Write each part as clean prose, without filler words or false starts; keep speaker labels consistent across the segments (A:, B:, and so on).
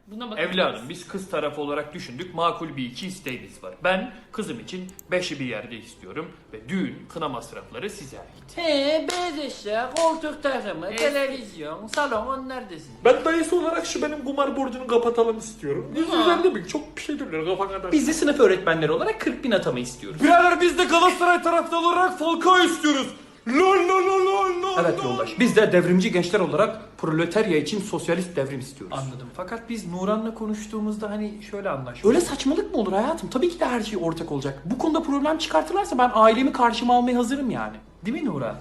A: Buna bakabiliriz.
B: Evladım biz kız tarafı olarak düşündük. Makul bir iki isteğimiz var. Ben kızım için 5'i bir yerde istiyorum ve düğün kına masrafları size ait.
C: He, beyaz eşya, koltuk takımı, televizyon, salon onlar da sizin.
D: Ben dayısı olarak şu benim kumar borcunu kapatalım istiyorum. 150 bin çok bir şey diyorlar kafa kadar.
E: Biz de sınıf öğretmenleri olarak 40 bin atama istiyoruz.
D: Birader biz de Galatasaray taraftarı olarak Falcao istiyoruz. Lol lol lol lol lol.
E: Evet yoldaş. Biz de devrimci gençler olarak proletarya için sosyalist devrim istiyoruz.
C: Anladım. Fakat biz Nuran'la konuştuğumuzda hani şöyle anlaştık.
E: Öyle saçmalık mı olur hayatım? Tabii ki de her şey ortak olacak. Bu konuda problem çıkartırlarsa ben ailemi karşıma almaya hazırım yani. Değil mi Nura?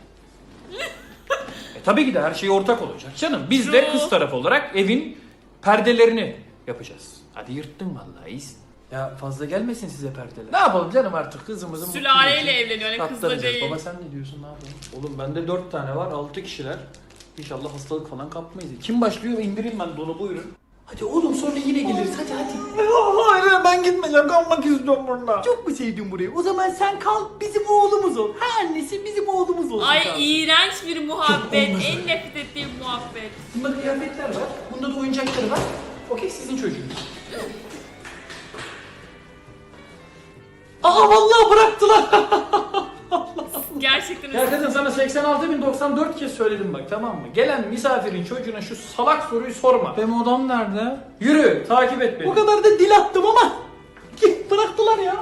B: Tabii ki de her şey ortak olacak canım. Biz de kız tarafı olarak evin perdelerini yapacağız. Hadi yırttın vallahi iyisin.
C: Ya fazla gelmesin size perdeler.
E: Ne yapalım canım artık kızımızın
A: Sülaleyle evleniyor yani kızla
C: Katlanacağız.
A: değil.
C: Baba sen ne diyorsun, ne yapalım?
E: Oğlum bende 4 tane var, 6 kişiler. İnşallah hastalık falan kapmayız. Kim başlıyor? İndireyim ben dolu buyurun.
C: Hadi oğlum sonra yine geliriz, hadi.
E: Hayır ben gitmeyeceğim, kalmak istiyorum burada.
C: Çok mu sevdin burayı? O zaman sen kal, bizim oğlumuz ol. Ha annesi bizim oğlumuz olsun.
A: Ay
C: kalsın.
A: iğrenç bir muhabbet. En nefret ettiğim muhabbet.
E: Bunda kıyafetler var, bunda da oyuncakları var. Okey sizin çocuğunuz. Aa vallahi bıraktılar.
A: Gerçekten
E: Ya kadın sana 86.094 kez söyledim bak, tamam mı? Gelen misafirin çocuğuna şu salak soruyu sorma.
C: Benim odam nerede?
E: Yürü takip et beni.
C: Bu kadar da dil attım ama bıraktılar ya.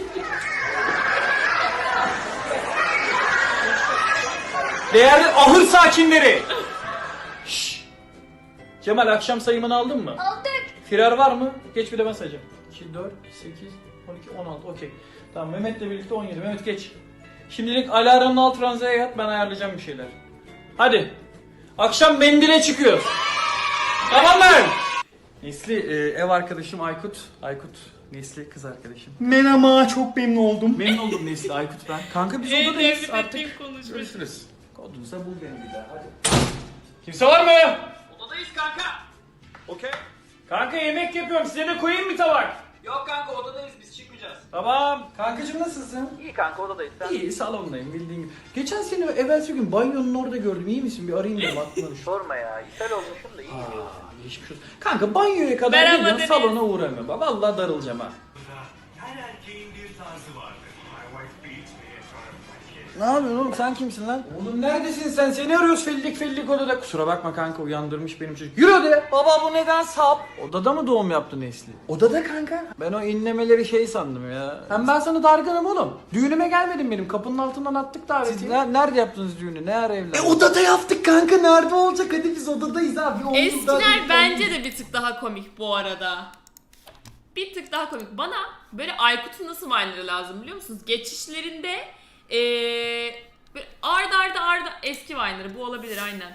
E: Değerli ahır sakinleri. Şşş. Cemal akşam sayımını aldın mı?
F: Aldık.
E: Firar var mı? Geç bir de ben sayacağım. 2, 4, 8, 12, 16 okey. Tamam Mehmet'le birlikte 17. Mehmet geç. Şimdilik alarmın alt ranzaya yat, ben ayarlayacağım bir şeyler. Hadi. Akşam mendile çıkıyoruz. Tamam mı? Nesli ev arkadaşım Aykut. Aykut Nesli kız arkadaşım.
C: Merhaba, çok memnun oldum.
E: Memnun oldum Nesli Aykut ben. Kanka biz
A: en
E: odadayız
A: nefret
E: artık.
A: ettiğim konuşma.
E: Görüşürüz. Kodunsa bul beni bir daha hadi. Kimse var mı? Odadayız kanka. Okey. Kanka yemek yapıyorum, size de koyayım mı tabak? Yok kanka odadayız, biz çıkmayacağız. Tamam.
C: Kankacığım nasılsın?
E: İyi kanka odadayız sen. İyi salondayım bildiğin gibi. Geçen sene evvelsi gün banyonun orada gördüm, iyi misin? Bir arayayım dedim aklıma düştü.
G: Sorma ya. İshal olmuşum da iyi.
E: Geçmiş olsun. Kanka banyoya kadar
A: Merhaba
E: geliyorum,
A: Deniz.
E: salona uğramıyorum. Bak vallahi darılacağım ha.
H: Her erkeğin bir tarzı vardır. My wife beats me in front of my kids.
E: Ne yapıyorsun oğlum, sen kimsin lan? Oğlum neredesin sen? Seni arıyoruz fellik odada. Kusura bakma kanka, uyandırmış benim çocuk. Yürü odaya. Baba bu neden sap? Odada mı doğum yaptı Nesli?
C: Odada kanka.
E: Ben o inlemeleri şey sandım ya. Hem ben sana dargınım oğlum. Düğünüme gelmedin benim. Kapının altından attık davetiyi. Siz nerede yaptınız düğünü? Ne ara evlendiniz?
C: Odada yaptık kanka, nerede olacak? Hadi biz odadayız abi. Oğlum,
A: Eskiler bence de bir tık daha komik bu arada. Bir tık daha komik. Bana böyle Aykut'un nasıl vine'ları lazım biliyor musunuz? Geçişlerinde böyle arda eski vine'ları bu olabilir aynen.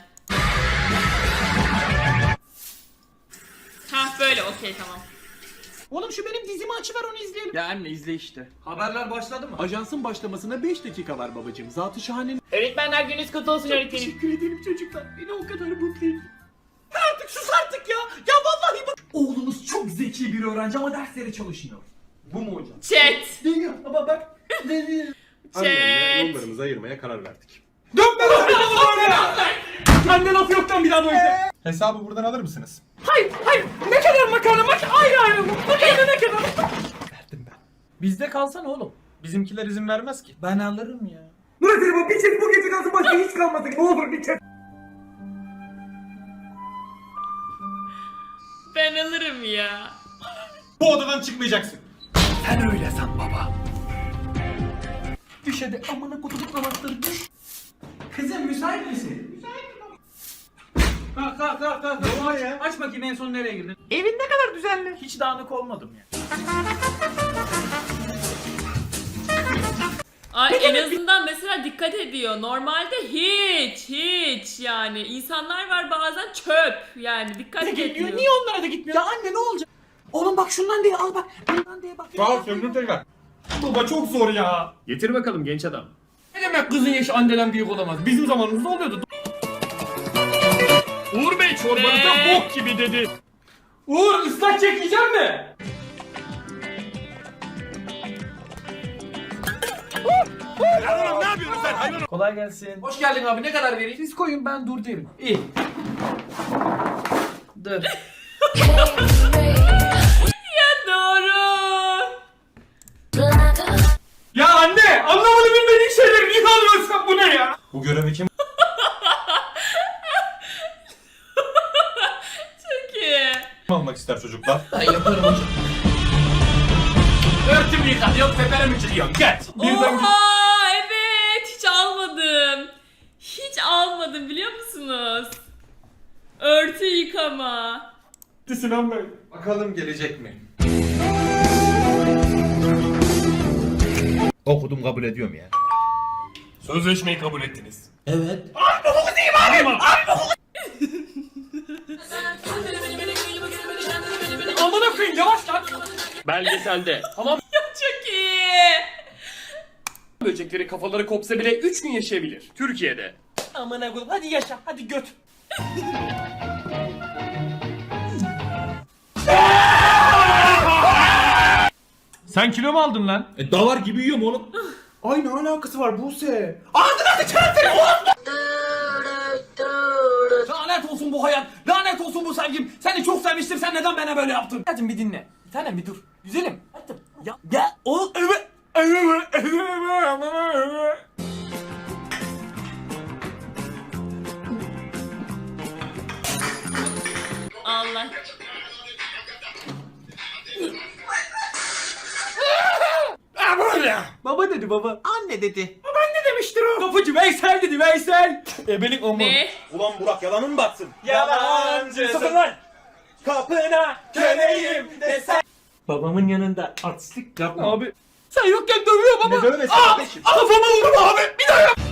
A: Hah böyle okey tamam.
C: Oğlum şu benim dizimi açıver, onu izleyelim.
E: Ya anne izle işte. Haberler başladı mı?
D: Ajansın başlamasına 5 dakika var babacığım. Zatı şahane.
A: Öğretmenler gününüz kutlu olsun öğretmenim.
C: Teşekkür ederim çocuklar. Beni o kadar mutlu ediyor. Artık sus artık ya. Ya vallahi bak. Oğlunuz çok zeki bir öğrenci ama derslere çalışmıyor. Bu mu hocam?
A: Chat.
C: Deniyor ama bak. Deniyor.
A: Chat.
D: Yollarımızı ayırmaya karar verdik.
C: Anne laf yoktan bir daha böyle.
D: Hesabı buradan alır mısınız?
C: Hayır. Ne kadar makarna ayrı. Makarna ne kadar?
D: Verdim ben.
E: Bizde kalsana oğlum.
D: Bizimkiler izin vermez ki.
E: Ben alırım ya.
C: Murat bu bir çek bu gece kalsın, başka hiç kalmadı. Ne olur bir çek.
A: Ben alırım ya.
D: Bu odadan çıkmayacaksın.
C: Sen öyle san baba. Düş hadi, amına kutup anahtarı düş. Kızım müsait misin? Müsaitim baba. Kalk. Ne var ya?
E: Aç bakayım en son nereye girdin?
C: Evin ne kadar düzenli.
E: Hiç dağınık olmadım ya.
A: Ay en azından mesela dikkat ediyor. Normalde hiç yani insanlar var bazen çöp yani dikkat etmiyor.
C: Niye onlara da gitmiyor? Ya anne ne olacak? Oğlum bak şundan diye al bak. Bundan diye bak.
D: Sağ ol sömürüm tekrar. Baba çok zor ya.
B: Getir bakalım genç adam.
C: Ne demek kızın yaşı anneden büyük olamaz? Bizim zamanımızda oluyordu.
B: Uğur Bey çorbanıza bok gibi dedi.
C: Uğur ıslak çekeceğim mi?
D: Ne yapıyorsun sen hayvan?
E: Kolay gelsin.
C: Hoş geldin abi, ne kadar vereyim? Siz koyun ben dur derim.
E: İyi. Dur.
A: Ya doğru.
C: Ya anne anlamadı bilmediğin şeyleri niye alıyorsun bu ne ya?
D: Bu görevi kim
A: Çok iyi.
D: almak ister çocuklar?
C: Örtümü yıkanıyor teperimi çıkıyor get.
A: Oha evet hiç almadım. Hiç almadım biliyor musunuz? Örtü yıkama.
D: Sinan Bey.
F: Bakalım gelecek mi?
I: Okudum kabul ediyorum ya.
D: Sözleşmeyi kabul ettiniz.
C: Amına koyayım yavaş lan.
B: Belgeselde hamam
A: Çok iyi.
B: böcekleri kafaları kopsa bile 3 gün yaşayabilir. Türkiye'de.
C: Amına koyayım hadi yaşa hadi göt.
D: Sen kilo mu aldın lan?
I: Davar gibi yiyorum oğlum.
F: Ay ne alakası var Buse?
C: Lanet olsun bu hayat. Lanet olsun bu sevgim. Seni çok sevmiştim. Sen neden bana böyle yaptın? Hadi bir dinle. Bir tanem bir dur. Güzelim. Hadi. Ya o
A: Allah.
C: Baba dedi baba.
F: Anne dedi.
C: Demiştir o. Kapıcı Veysel dedi Veysel.
D: Ebelik o mu?
A: Ne?
F: Ulan Burak yalanın mı batsın?
C: Yalancısın lan.
F: Kapına köleyim desen.
C: Babamın yanında artistlik yapma.
D: Abi.
C: Sen yokken dövüyor baba.
F: Ne dövmesi kardeşim?
C: Kafama vurma abi. Bir daha yap.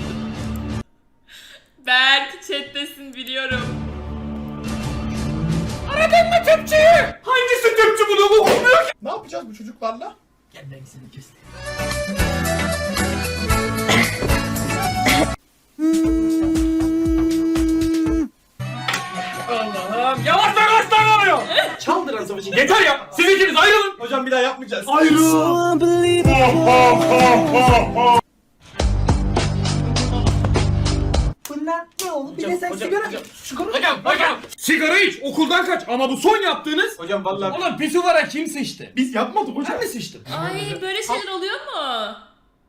A: Berk chat'tesin biliyorum.
C: Aradın mı tüpçüyü? Hangisi tüpçü bunu bu olmuyor ki?
F: Ne yapacağız bu çocuklarla?
C: Gel ben seni kestim. Allah'ım yavaş yavaş oluyor. Çaldıran savaşı. Yeter ya. Siz ikiniz ayrılın.
F: Hocam bir daha yapmayacağız.
C: Ayrılın.
F: Bunlar ne oldu? Bir de sen sigara.
C: Hocam. Sigara iç. Okuldan kaç. Ama bu son yaptığınız.
F: Hocam vallahi
C: Ulan pisuvara kim sıçtı?
F: biz yapmadık hocam.
C: Ben mi sıçtım?
A: Ay böyle şeyler oluyor mu?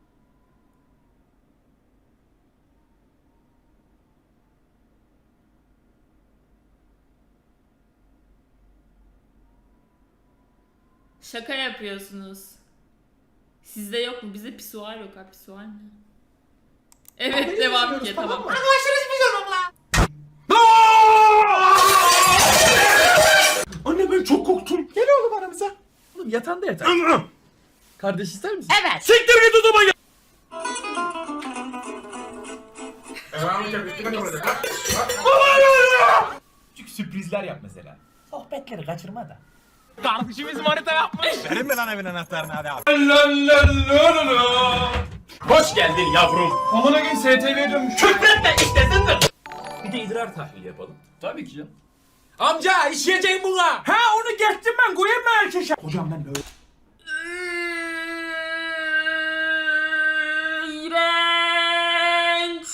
A: Şaka yapıyorsunuz. Sizde yok mu? Bizde pisuar yok ha. Pisuar ne? Evet devam ki tamam.
C: Anne ben çok korktum. Gel oğlum aramıza. Oğlum yatağında yatar. Kardeş ister misin?
A: Evet.
C: Siktir git o zaman ya.
I: Küçük sürprizler yap mesela. Sohbetleri kaçırma da.
C: Hoş geldin yavrum.
D: Amına gün STV'ye dönmüş.
C: Küfretme istesindir.
I: Bir de idrar tahlili yapalım.
C: Tabii ki canım. Amca işleyeceğim buna. Ha onu geçtim ben koyayım mı erkeşe? Hocam ben böyle.
A: İğrenç.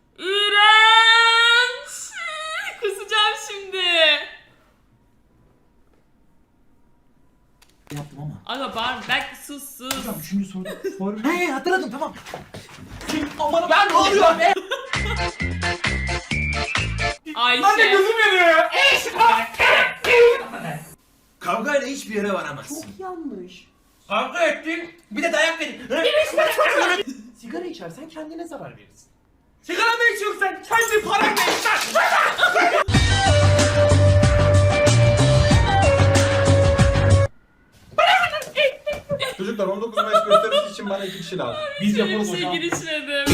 A: İğrenç. Kusacağım şimdi.
I: Yaptım ama.
A: Aga bağırma. Belki sus.
I: Üçüncü soru. He hatırladım tamam.
C: Aman ben ne oluyor be?
A: Ayşe.
C: Anne gözüm yanıyor ya.
F: Kavgayla hiçbir yere varamazsın.
C: Kavga ettin.
F: Bir de dayak verin.
I: Sigara içersen kendine zarar verirsin.
C: Sigara mı içiyorsun sen? Kendi paranla iç lan.
F: Çocuklar 19 Mayıs gösterisi için bana 2 kişi lazım.
C: Biz
A: Böyle
C: yapalım
A: bir şey
C: hocam.
A: girişmedim.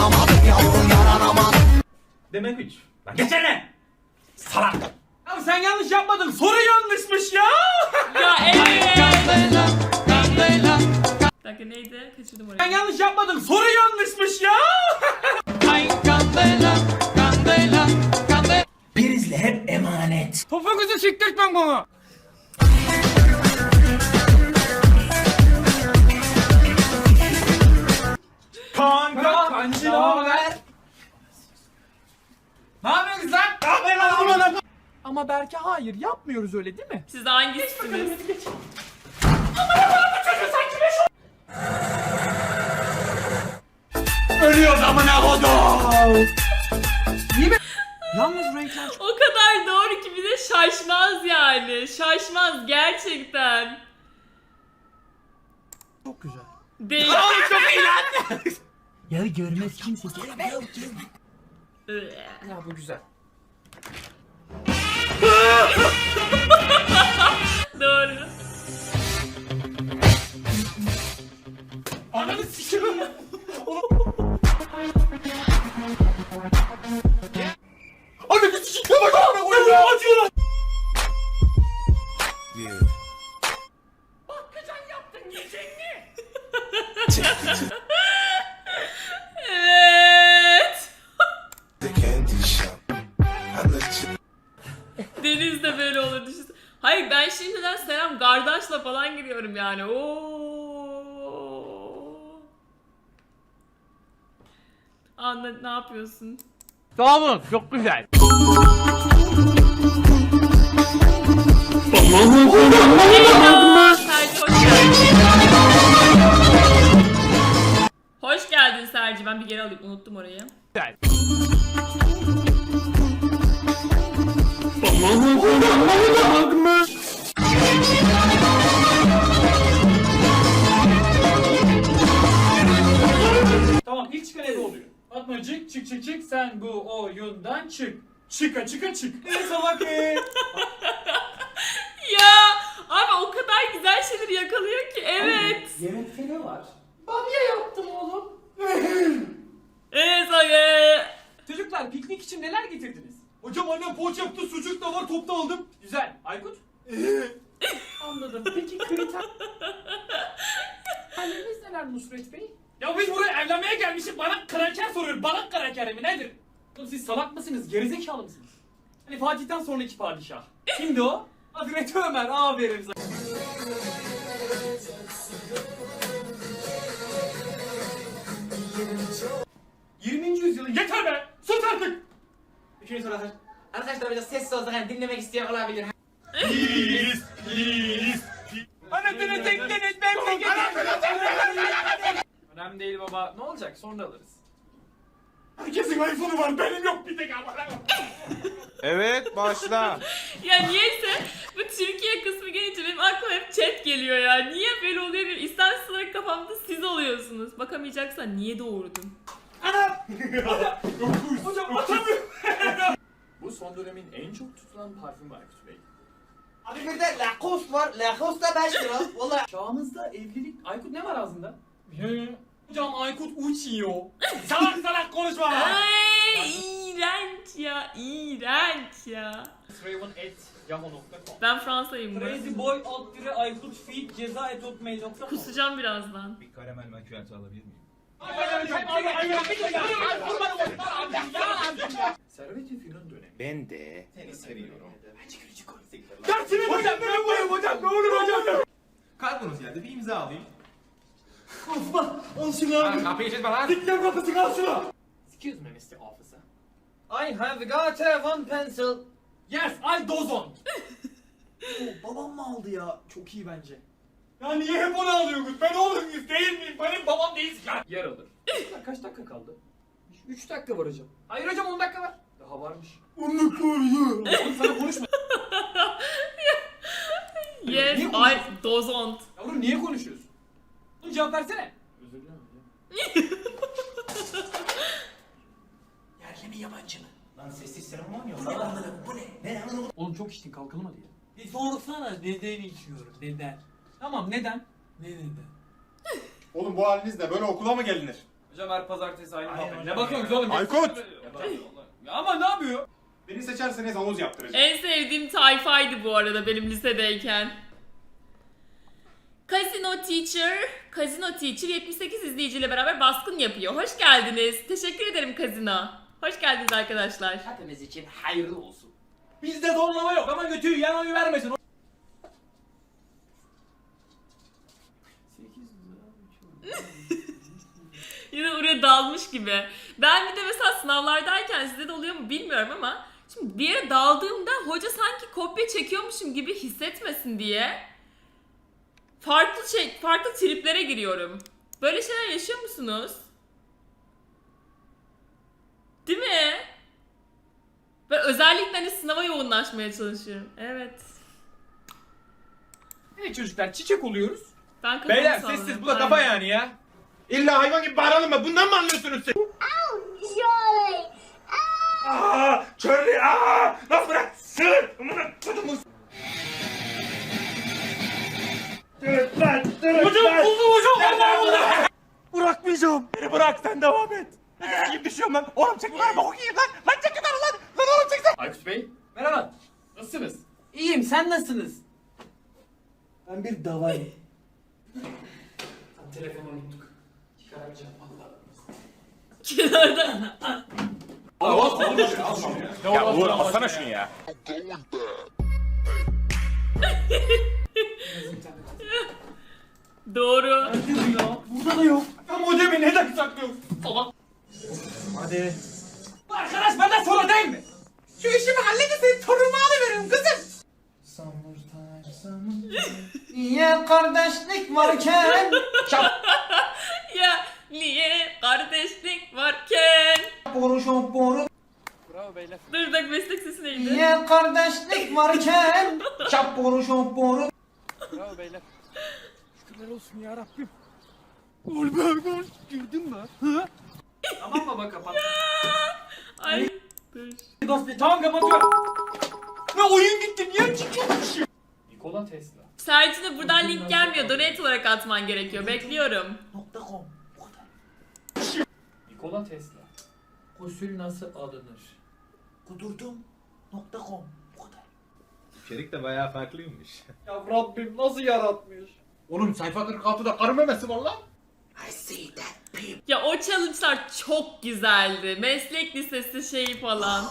C: Demek hiç. Lan geçene. Salak. Abi sen yanlış yapmadın. Soru yanlışmış ya.
A: Ya evet. Bir dakika neydi? Kaçırdım
C: Sen
A: orayı.
C: yanlış yapmadın. Soru yanlışmış ya.
I: Prizle hep emanet.
C: Topuğunuzu siktirtmem bana. Kanka kancı ne haber? Ne yapıyorsunuz lan? Ne haber lan? Ama Berke hayır yapmıyoruz öyle değil mi?
A: Siz hangisiniz?
C: Ölüyoruz amına kodum. Yalnız renkler
A: O kadar doğru ki bir de şaşmaz yani. Şaşmaz gerçekten.
C: çok güzel.
A: Değil.
C: Çok iyi lan.
I: Ya görmez kimse.
C: Ya bu güzel.
A: Doğru.
C: Ananı sikiyorum. Ananı sikiyorum. Bak amına koyayım ya. Acıyor lan. Bakkacan yaptın yiyecek mi?
A: Evet. Deniz de böyle olur düşünsene. Hayır ben şimdiden Selam Kardeş'la falan giriyorum yani. Oo. Anla ne yapıyorsun?
C: Sağ olun çok güzel.
A: Merhaba, Serci hoş geldin. Hoş geldin Serci. Ben bir geri alayım. Unuttum orayı.
C: Güzel.
E: Tamam ilk çıkan ebe oluyor. Fatmacık çık çık çık sen bu oyundan çık. Çıka çıka çık. Ne salak
A: Ya abi o kadar güzel şeyleri yakalıyor ki. Evet.
C: Yemekte ne var?
A: Evet abi.
E: Çocuklar piknik için neler getirdiniz? Hocam annem poğaça yaptı, sucuk da var, topta aldım. Güzel. Aykut? Anladım. Peki kriter... Halleriniz neler Nusret Bey? Ya biz buraya evlenmeye gelmişiz. Bana kraker soruyor. Bana kraker mi nedir? Oğlum siz salak mısınız? Gerizekalı mısınız? Hani Fatih'ten sonraki padişah. Kimdi o? Hazreti Ömer. Aferin sana. ...20. yüzyılın yeter be! Sus artık! Üçüncü soru hazır.
J: Arkadaşlar biraz sessiz olsak hani dinlemek isteyen olabilir.
E: Anasını tektiniz memleketi! Önemli değil baba. Ne olacak? Sonra alırız. Herkesin iPhone'u var. Benim yok bir tek ama.
F: Evet başla.
A: Ya niyeyse bu Türkiye kısmı gelince benim aklıma hep chat geliyor ya. Niye böyle oluyor bilmiyorum. İstemsiz olarak kafamda siz oluyorsunuz. Bakamayacaksan niye doğurdun?
E: Hocam atamıyorum.
D: Bu son dönemin en çok tutulan parfümü Aykut Bey.
J: Abi bir de Lacoste var. Lacoste da 5 lira. Valla.
E: Çağımızda evlilik... Aykut ne var ağzında? Hocam Aykut uçuyor. Salak salak konuşma.
A: Ay iğrenç ya. İğrenç ya.
E: Raven@yahoo.com
A: Ben Fransa'yım bu.
E: Crazyboy _Aykut feed ceza@hotmail.com.
A: Kusacağım birazdan.
I: Bir karamel macchiato alabilir miyim?
D: Servet-i Fünun dönemi.
F: Ben de seni seviyorum.
E: Dersini hocam ben buyum hocam ne olur hocam.
I: Kargonuz geldi bir imza alayım.
E: Al şunu.
F: Kapıyı çizme lan.
E: Dikkat kapısını al şunu.
J: Excuse me Mr. Officer. I have got one pencil.
E: Yes I dozon.
C: Babam mı aldı ya? Çok iyi bence.
E: Ya niye hep onu alıyorsunuz? Ben oğlum muyuz değil miyim? Benim babam değilsin lan. Yer alır. Kaç dakika kaldı? 3 dakika var hocam. Hayır hocam 10 dakika var. Daha varmış. 10 dakika var ya. Oğlum sana konuşma.
A: Yes,
E: Niye
A: I dozont.
E: Yavrum niye konuşuyorsun? Oğlum cevap versene. Özür dilerim hocam.
C: Yerli mi yabancı mı?
I: Lan sessiz serum var ya. Lan bu ne? Ne lan?
E: Oğlum çok içtin kalkalım hadi ya. Bir sorsana neden içiyorum neden? Tamam neden? Neden?
F: Oğlum bu halinizle böyle okula mı gelinir?
E: Hocam her pazartesi aynı
I: Aynen
E: muhabbet.
I: hocam
E: Ne bakıyorsunuz oğlum?
F: Aykut!
E: Ya ama ne yapıyor?
F: Beni seçerseniz havuz yaptıracağım.
A: En sevdiğim tayfaydı bu arada benim lisedeyken. Casino Teacher 78 izleyiciyle beraber baskın yapıyor. Hoş geldiniz. Teşekkür ederim Casino. Hoş geldiniz arkadaşlar.
J: Hepimiz için hayırlı olsun.
E: Bizde zorlama yok ama götüyü yan oyu vermesin.
A: Yine oraya dalmış gibi. Ben bir de mesela sınavlardayken sizde de oluyor mu bilmiyorum ama Şimdi bir yere daldığımda hoca sanki kopya çekiyormuşum gibi hissetmesin diye farklı triplere giriyorum. Böyle şeyler yaşıyor musunuz? Değil mi? Ben özellikle hani sınava yoğunlaşmaya çalışıyorum. Evet.
C: Evet çocuklar çiçek oluyoruz.
A: Ben kafamı
C: Beyler
A: salladım.
C: sessiz bu da kafa
A: Aynen.
C: yani ya. İlla hayvan gibi bağıralım mı? Bundan mı anlıyorsunuz siz? Aaa! Charlie! Aaa! Lan bırak! Sığır! Amına kodumun! Hocam buldum hocam! Allah! Bırakmayacağım! Beni bırak sen devam et! Ne gibi düşüyorum lan? Oğlum çek lan! Bok yiyeyim lan! Lan çek lan lan! Lan oğlum çek sen!
J: Aykut Bey. Merhaba. Nasılsınız? İyiyim. Sen nasılsınız?
C: Ben bir davayım.
E: Telefonu unuttuk. Çıkaramayacağım valla.
A: Kenarda.
C: Ya Uğur alsana şunu ya.
A: Doğru.
C: Burada da yok. Ya modemi neden saklıyorsun? Salak. Hadi. Bu arkadaş benden sonra değil mi? Şu işimi halledin senin torunumu alıveririm kızım.
J: Niye kardeşlik varken?
A: Ya niye kardeşlik varken?
J: Boru.
A: Dur bak meslek sesi neydi?
J: Niye kardeşlik varken? Çap boru.
E: Tamam baba kapat.
A: Ay dur.
E: Tamam kapatıyorum.
C: Ne oyun gitti niye çıkıyorsun?
E: Nikola Tesla.
A: Sercin'e buradan link gelmiyor. Donate olarak atman gerekiyor. Bekliyorum.
E: Nikola Tesla.
J: Gusül nasıl alınır?
F: İçerik de bayağı farklıymış.
E: Ya Rabbim nasıl yaratmış?
F: Oğlum sayfa 46'da karı memesi var lan.
A: Ya o challenge'lar çok güzeldi. Meslek lisesi şeyi falan.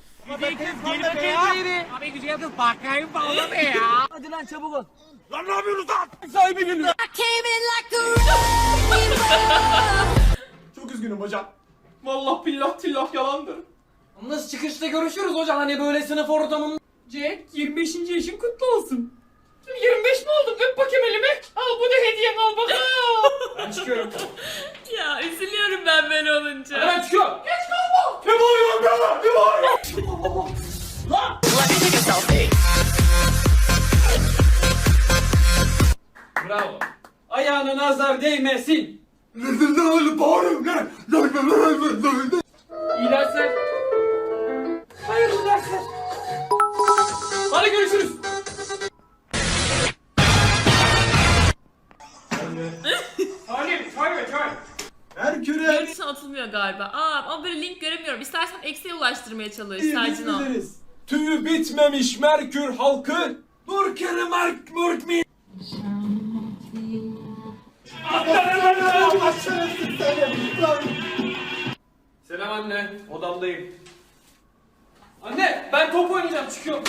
C: Çok üzgünüm hocam. Vallahi billah tillah yalandır.
J: Nasıl çıkışta görüşürüz hocam hani böyle sınıf ortamında.
E: Jack 25. yaşın kutlu olsun. 25 mi oldum? Öp bakayım elimi. Al bu da hediyen al bakalım.
C: Ben çıkıyorum.
A: Ya üzülüyorum ben böyle olunca.
E: Ben çıkıyorum. Geç kalma.
C: Ne bağırıyorsun be? Ne bağırıyorsun?
E: Bravo. Ayağına nazar değmesin.
C: Ne bağırıyorum ne?
E: İyi dersler. Hayırlı dersler. Hadi görüşürüz.
C: Merkür'e
A: Görüntüsü atılmıyor galiba. Ama böyle link göremiyorum. İstersen eksiye ulaştırmaya çalış. Sercin o.
C: Tüyü bitmemiş Merkür halkı. Dur kere Merk mi?
E: Selam anne. Odamdayım. Anne ben top oynayacağım çıkıyorum.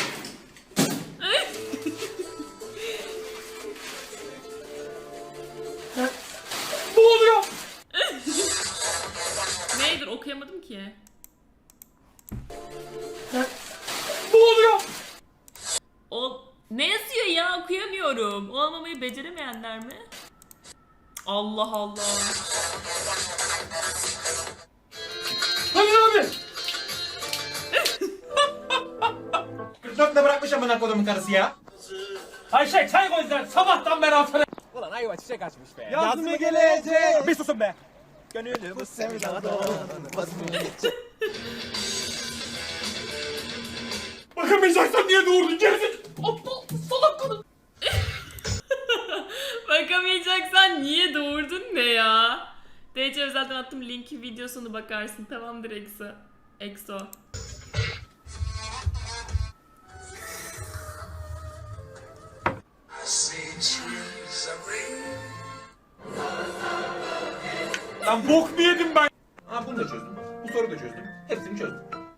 E: Ne oluyor?
A: Neydir okuyamadım ki.
E: Ne oluyor?
A: O ne yazıyor ya okuyamıyorum. Olmamayı beceremeyenler mi? Allah Allah.
E: Hayır abi.
C: 44'te bırakmış amına kodumun karısı ya.
E: Ayşe çay koy sen sabahtan beri altına.
C: Yazma gelecek. Bir susun be. Gönlüm bu sevdadan bakamayacaksan niye doğurdun gerizekalı?
E: Aptal salak kadın.
A: Bakamayacaksan niye doğurdun ne ya? DC zaten attım linki videosunu bakarsın. Tamamdır Exo.
C: Lan bok mu yedim ben? Ha bunu da çözdüm. Bu soruyu da çözdüm. Hepsini çözdüm.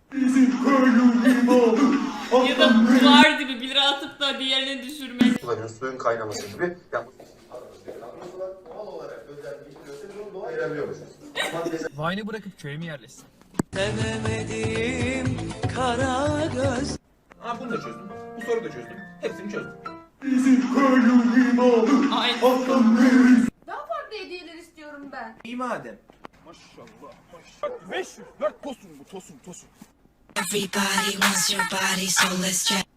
A: Ya da duvar dibi 1 lira atıp da diğerini düşürmek.
F: Suyun kaynaması gibi. Yani doğal olarak özelliği biliyorsa bunu doğal ayırabiliyormuşuz.
J: Vine'ı bırakıp köye mi yerleşsin?
C: Ha bunu da çözdüm. Bu soruyu da çözdüm. Hepsini çözdüm.
A: Aynen.
K: Daha farklı hediyeler istiyorum ben.
C: İyi madem.
K: Everybody wants your body, so let's check.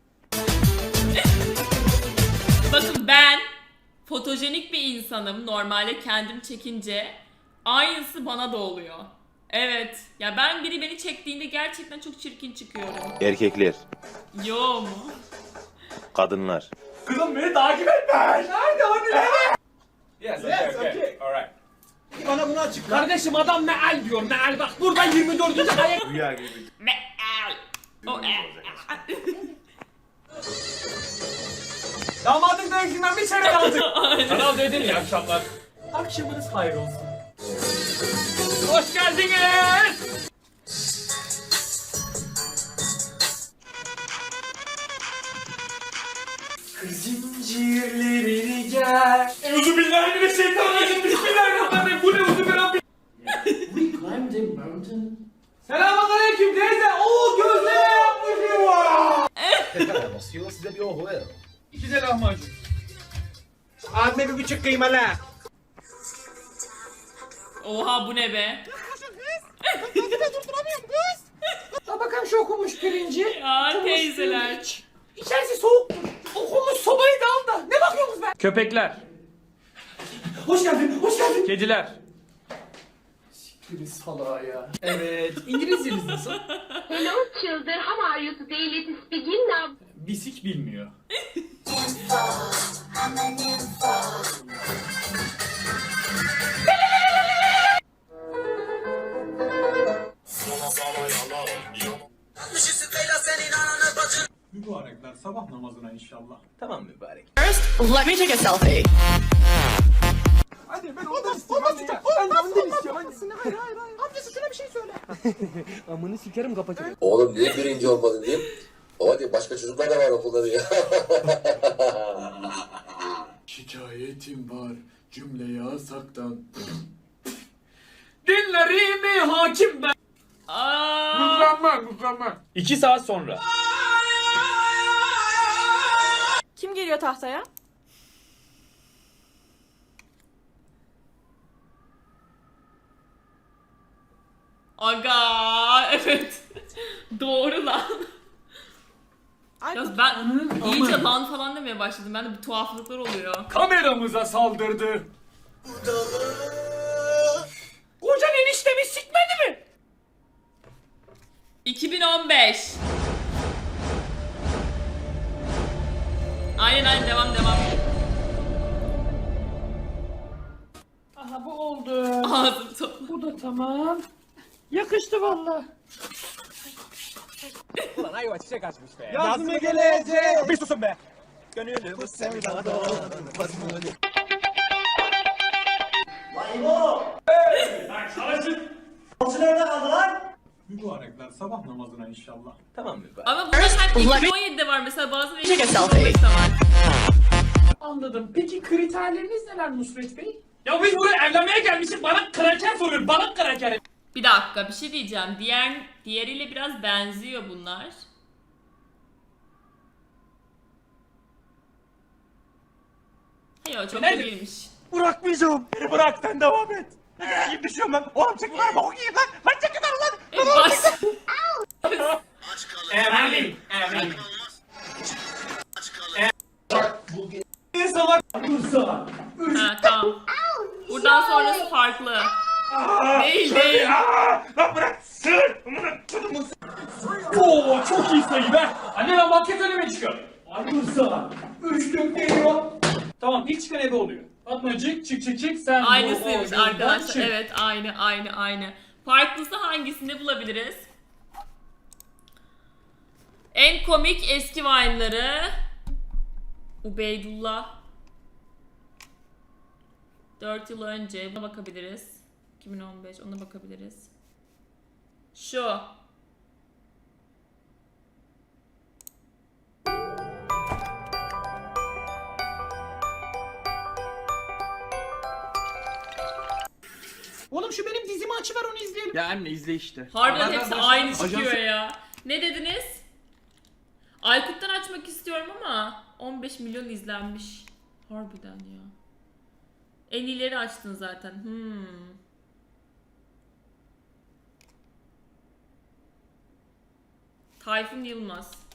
A: Bakın ben fotojenik bir insanım. Normalde kendim çekince aynısı bana da oluyor. Evet. Ya ben biri beni çektiğinde gerçekten çok çirkin çıkıyorum.
F: Erkekler,
A: Yo mu?
F: kadınlar.
C: Kızım beni takip etme. Nerede hani? Yes, okay. Alright. Bana bunu açıkla. Kardeşim adam meal diyor. Meal bak burada 24. ayet.
F: Rüya gibi.
A: Meal. O
C: Damadın dövüşünden bir çeyrek aldık.
E: Kanal D'den iyi akşamlar. Akşamınız hayır olsun.
C: Hoş geldiniz. Zincirlerini gel. Euzubillahimineşşeytanirracim. Bismillahirrahmanirrahim. Bu ne uzubillahirrahmanirrahim. Selamünaleyküm teyze. Oo gözleme yapmışım var.
I: Basıyor size bir ohu ver.
C: İki de lahmacun. Abime 1,5 kıymalı.
A: Oha bu ne be?
C: Ha bakalım şu okunmuş pirinci.
A: Ya teyzeler.
C: İçerisi soğuk. Okunmuş sobayı da al da. Ne bakıyorsunuz be?
E: Köpekler,
C: Hoş geldin, hoş geldin.
E: kediler.
C: Salağa ya. Evet, İngilizceniz nasıl?
K: Hello children, how are you today? Let's begin now.
C: Bisik bilmiyor.
F: Mübarekler sabah namazına inşallah.
C: Tamam mübarek.
K: Let me take a selfie.
C: Hadi ben ondan istiyorum. Ben de ondan istiyorum. Hayır. Amcası şuna bir şey söyle. Amını sikerim kapatırım.
L: Oğlum niye birinci olmadın diyeyim. Baba diyor başka çocuklar da var okulda diyor.
F: Şikayetim var cümleyi asaktan.
C: Dinlerimi hakim ben.
A: Aa,
E: 2 saat sonra.
K: Kim geliyor tahtaya?
A: aga evet. Doğru lan. Yalnız ben iyice lan falan demeye başladım. Ben de bir tuhaflıklar oluyor.
C: Kameramıza saldırdı. Kocan eniştemi sikmedi mi?
A: 2015. Aynen devam.
E: Aha bu oldu.
A: Ağzım topla.
E: Bu da tamam. Yakıştı valla.
C: Ulan ayva çiçek açmış be. Yaz mı gelecek? Bir susun be. Gönüllü bu sevdada.
F: Mübarekler sabah namazına inşallah.
C: Tamam mübarek.
A: Ama bunlar hep 2017'de var mesela bazıları
K: Take a selfie.
A: 2015'te var.
E: Anladım. Peki kriterleriniz neler Nusret Bey?
C: Ya biz buraya evlenmeye gelmişiz. Bana kraker soruyor. Bana kraker.
A: Bir dakika bir şey diyeceğim. Diğeriyle biraz benziyor bunlar. Hayır o çok da
C: Nerede?
A: değilmiş.
C: Bırakmayacağım. Beni bırak sen devam et. Yiyip düşüyorum ben. Oğlum çekin lan. Bok yiyeyim lan. Lan çekin lan. Emin. İnsanlar Bursa.
A: Ha tamam. Buradan sonrası farklı. Değil.
C: Lan bırak. Sır. Oo çok iyi sayı be. Anne lan market önüme çıkıyor. Ay Bursa. 3 geliyor. Tamam ilk çıkan ebe oluyor. Fatmacık çık sen.
A: Aynısıymış
C: bu oyundan
A: arkadaşlar.
C: çık.
A: Evet aynı. Farklısı hangisinde bulabiliriz? En komik eski Vine'ları. Ubeydullah. 4 yıl önce buna bakabiliriz. 2015 ona bakabiliriz. Şu.
C: Oğlum şu benim dizimi açıver onu izleyelim.
J: Ya anne izle işte.
A: Harbiden hepsi aynı
J: Ajansı-
A: çıkıyor ya. Ne dediniz? Aykut'tan açmak istiyorum ama 15 milyon izlenmiş. Harbiden ya. En iyileri açtın zaten. Tayfun Yılmaz.